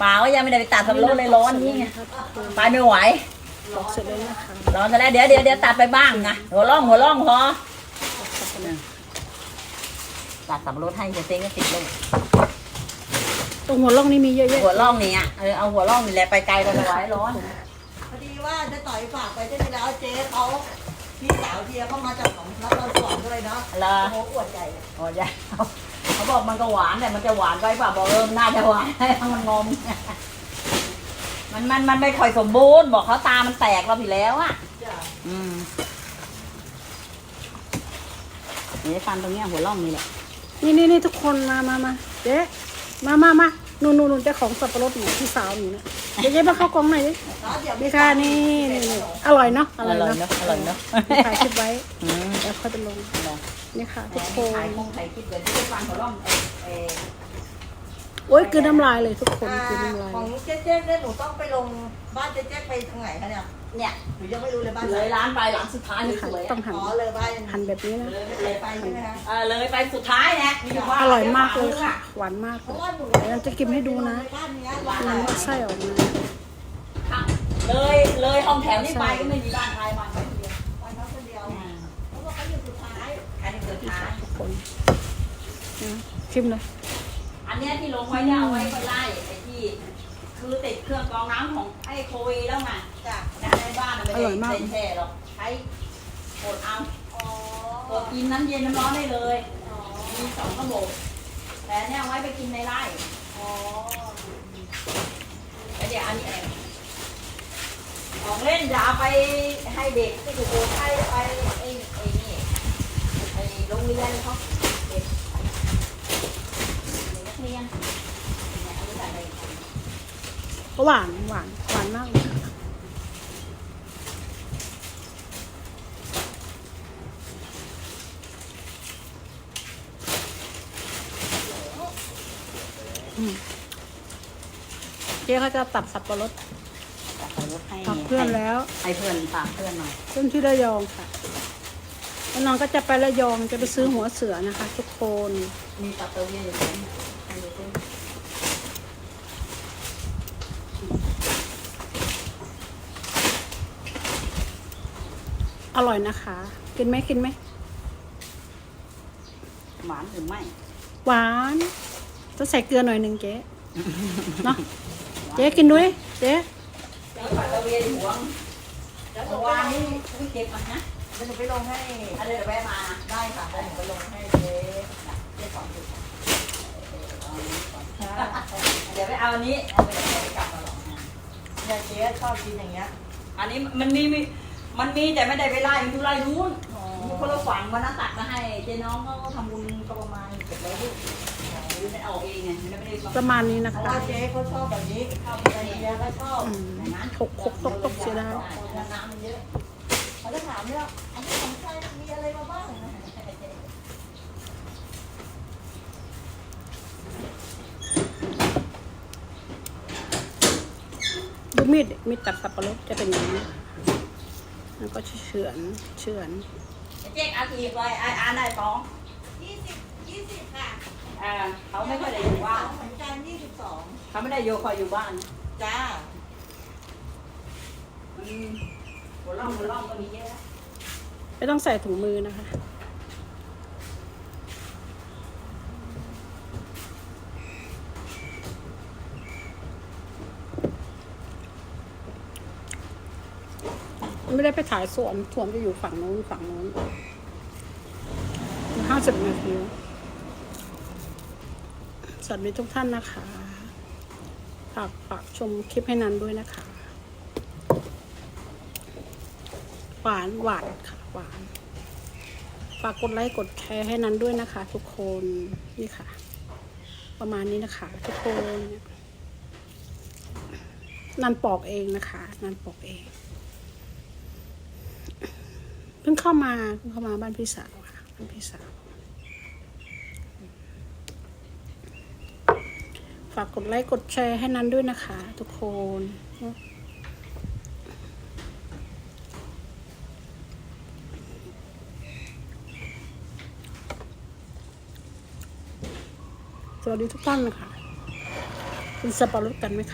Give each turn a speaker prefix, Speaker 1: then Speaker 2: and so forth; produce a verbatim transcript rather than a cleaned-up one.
Speaker 1: เปล่ายังไม่ได้ไปตัดสับปะรดเลยร้อนนี่ไงไปไม่ไหว
Speaker 2: ปอกเสร็จแล้วนะคะ
Speaker 1: ร้อนซะแล้วเดี๋ยวเดี๋ยวเดี๋ยวตัดไปบ้างไงหัวร่องหัวร่องพอตัดสับปะรดให้จะเซ็งก็ติดเลย
Speaker 2: ตรงหัวร่องนี่มีเยอะแยะ
Speaker 1: หัวร่องนี่อ่ะเออเอาหัวร่องนี่แหละไปไกลไปไม่ไหวร้อน
Speaker 3: พอดีว่าจะต่อยฝากไปได้แล้วเจ๊เขาพี่สาวเทียเขามาจากของนครสวรรค์ด้วยเนาะ
Speaker 1: อะไร
Speaker 3: โอ้โหอวดใหญ่เลย
Speaker 1: โอ้ยเขาบอกมันก็หวานแต่มันจะหวานไปเปล่าบอกเออน่าจะหวานให้มันงอมมันมันมันไม่ค่อยสมบูรณ์บอกเขาตามันแตกเราผิดแล้วอ่ะ
Speaker 3: จ้ะ
Speaker 1: อืมนี่ฟันตรงเนี้ยหัวร่องนี่แหละ
Speaker 2: นี่นี่นี่ทุกคนมามามาเจ๊มามามาหนูหนูหนูเจ้าของสับปะรดหนูพี่สาวหนูเนี่ยเดี๋ยวเจ๊มาเข้ากล่องหน่อยดิ
Speaker 3: แล้วเดี๋ยว
Speaker 2: นี่ค่ะนี่นี่นี่อร่อยเนาะอ
Speaker 1: อ
Speaker 2: ร่อย
Speaker 1: ร่อย
Speaker 2: เนาะ
Speaker 1: เนาะอร่อยเนาะ
Speaker 2: ถ่ายคลิปไว้
Speaker 1: อืม
Speaker 2: แล้วค่อยไปลงนี่ค่ะทุกค
Speaker 1: ถ่าย
Speaker 2: น
Speaker 1: คงถ่ายคลิปเดี๋ยวจะฟันหัวร่องเออเออ
Speaker 2: โอ้ยคือน้ำลายเลยทุกคน
Speaker 3: อ่า
Speaker 2: คือน้ำลาย
Speaker 3: ของเจ๊เจ๊เนี่ยหนูต้องไปลงบ้านเจ๊เจ๊ไปทางไหนคะเนี่ย
Speaker 1: เนี่ย
Speaker 3: หนูยังไม่รู้เลยบ้าน
Speaker 1: เล
Speaker 3: ไหน
Speaker 1: ยร้านไปหลังสุดท้ายนี่
Speaker 2: นี่ค่ะ
Speaker 1: สวย
Speaker 2: ต้อง
Speaker 1: อะ
Speaker 2: หั่น
Speaker 3: อ๋อเลยบ้าน
Speaker 2: หั่นแบบนี้นะ
Speaker 1: เลยไป
Speaker 3: เลยไปใช่ไหมคะ
Speaker 1: เออเลยไปสุดท้ายเนี่ยมีอยู่ว่า
Speaker 2: อร่อยมากเลยค่ะ หวานมาก
Speaker 3: เพ
Speaker 2: เล
Speaker 3: ราะ
Speaker 2: ย
Speaker 3: ว่าหนู
Speaker 2: เดี๋ยวจะกินให้ดูนะ
Speaker 3: บ้านเนี้ย
Speaker 2: น้ำไส้ออกมา
Speaker 1: เลยเลยห้องแถวนี่ไปก็ไม่มีบ้านใครบ้านใครคนเดียว
Speaker 3: บ้านเขาคนเดียวเพราะว่าเขาอยู่สุดท้าย
Speaker 1: อันนี้สุดท้าย
Speaker 2: ทุกคนนะชิมเลย
Speaker 1: อันเนี้ยที่ลงไว้เนี่ยเอาไว้ก็ไล่ไอ้ที่คือติดเครื่องกรองน้ำของไอ้โควีแล้วไง
Speaker 3: จ้ะ
Speaker 1: ในบ้านมันไม่ได้เซ็นแช่หรอกใช้กดเอา
Speaker 3: อ๋อก
Speaker 1: ดกินน้ำเย็นน้ำร้อนได้เลย
Speaker 3: อ๋อ
Speaker 1: มีสองระบบแต่เนี่ยเอาไว้ไปกินในไร่
Speaker 3: อ๋อ
Speaker 1: แล้วเดี๋ยวอันนี้เองของเล่นอย่าเอาไปให้เด็กที่ถูกโกงให้ไปไอ้ไอ้นี่ไอ้โรงเรียนเขาเด็กนักเรียนเนี่ยอันนี้อะไร
Speaker 2: หวานหวานหวานมากเลยค่ะอืมเจ๊เขาจะตัดสับปะรด
Speaker 1: ฝากเพื่อนให้
Speaker 2: ฝากเพื่อนแล้ว
Speaker 1: ให้เพื่อนฝากเพื่อนหน่อย
Speaker 2: เพื่อนที่ระยองค่ะแล้วน้องก็จะไประยองจะไปซื้อหัวเสือนะคะ ทุกคน
Speaker 1: มีปัตเตอร์เวียอยู่ตรงนี้ให้ดูสิ
Speaker 2: อร่อยนะคะ กินไหมกินไหม
Speaker 1: หวานหรือไม่
Speaker 2: หวานต้องใส่เกลือหน่อยหนึ่งเจ๊เนาะเจ๊กินด้วยเจ๊
Speaker 1: เจ้าปัตเตอร์เวียอยู่หวงเดี๋ยววานนี้ไม่เก็บมันนะ
Speaker 3: เดี๋ยวหนูไปลงให้
Speaker 1: อันเดี๋ยวแวะมานะ
Speaker 3: ได้ค่ะเดี๋ยวหนูไปลงให้เจ๊
Speaker 1: เจ๊สองจุดเดี๋ยวไปเอาอันนี้เอาไปเดี๋ยวไปกลับมาหรอกนะ
Speaker 3: เนี่ยเจ๊ชอบกินอย่างเงี้ย
Speaker 1: อันนี้มันมีมีมันมีแต่ไม่ได้ไปไล่มันอยู่ไล่นู้นอยู่คนละฝั่งวันนั้นตัดมาให้เจ๊น้องเขาก็ทำบุญก็ประมาณเก็บไว้ลูกหรือไม่เอาเองไงไม่ได้ไม่ได้
Speaker 2: ประมาณนี้นะ
Speaker 3: เพราะ
Speaker 2: คะ
Speaker 3: ว่าเจ๊เขาชอบแบบนี้ข้าวอะไรเงี้ยก็ชอบ
Speaker 2: อืมหกหกตกตกเสียดาย
Speaker 3: น้ำมันเยอะเขาจะถามเนี่ยอันนี้ของใครมีอะไรมาบ้าง
Speaker 2: ดูมีดดิมีดตัดสับปะรดจะเป็นอย่างนี้แล้วก็เฉือนเฉือน
Speaker 1: เจ๊กอาทีไปไอ้อ่านได้สอง
Speaker 3: ยี่สิบยี่สิบค่ะ
Speaker 1: อ่าเขาไม่ค่อยได้อยู่บ้าน
Speaker 3: เหมือนกันยี่สิบสอง
Speaker 1: เขาไม่ได้โยคอยอยู่บ้าน
Speaker 3: จ้า
Speaker 1: อืมหัวล่องหัวล่องก็มีเยอะ
Speaker 2: ไม่ต้องใส่ถุงมือนะคะไม่ได้ไปถ่ายสวนสวนจะอยู่ฝั่งโน้นฝั่งโน้นห้าสิบนาทีสวัสดีทุกท่านนะคะฝากฝากชมคลิปให้นันด้วยนะคะ หวานหวานค่ะหวานฝากกดไลค์กดแชร์ให้นันด้วยนะคะ ทุกคนนี่ค่ะ ประมาณนี้นะคะ ทุกคนนันปอกเองนะคะนันปอกเองเพิ่งเข้ามาเพิ่งเข้ามาบ้านพี่สาวค่ะบ้านพี่สาวฝากกดไลค์กดแชร์ให้นันด้วยนะคะ ทุกคนสวัสดีทุกท่านนะคะกินสับปะรดกันไหมคะ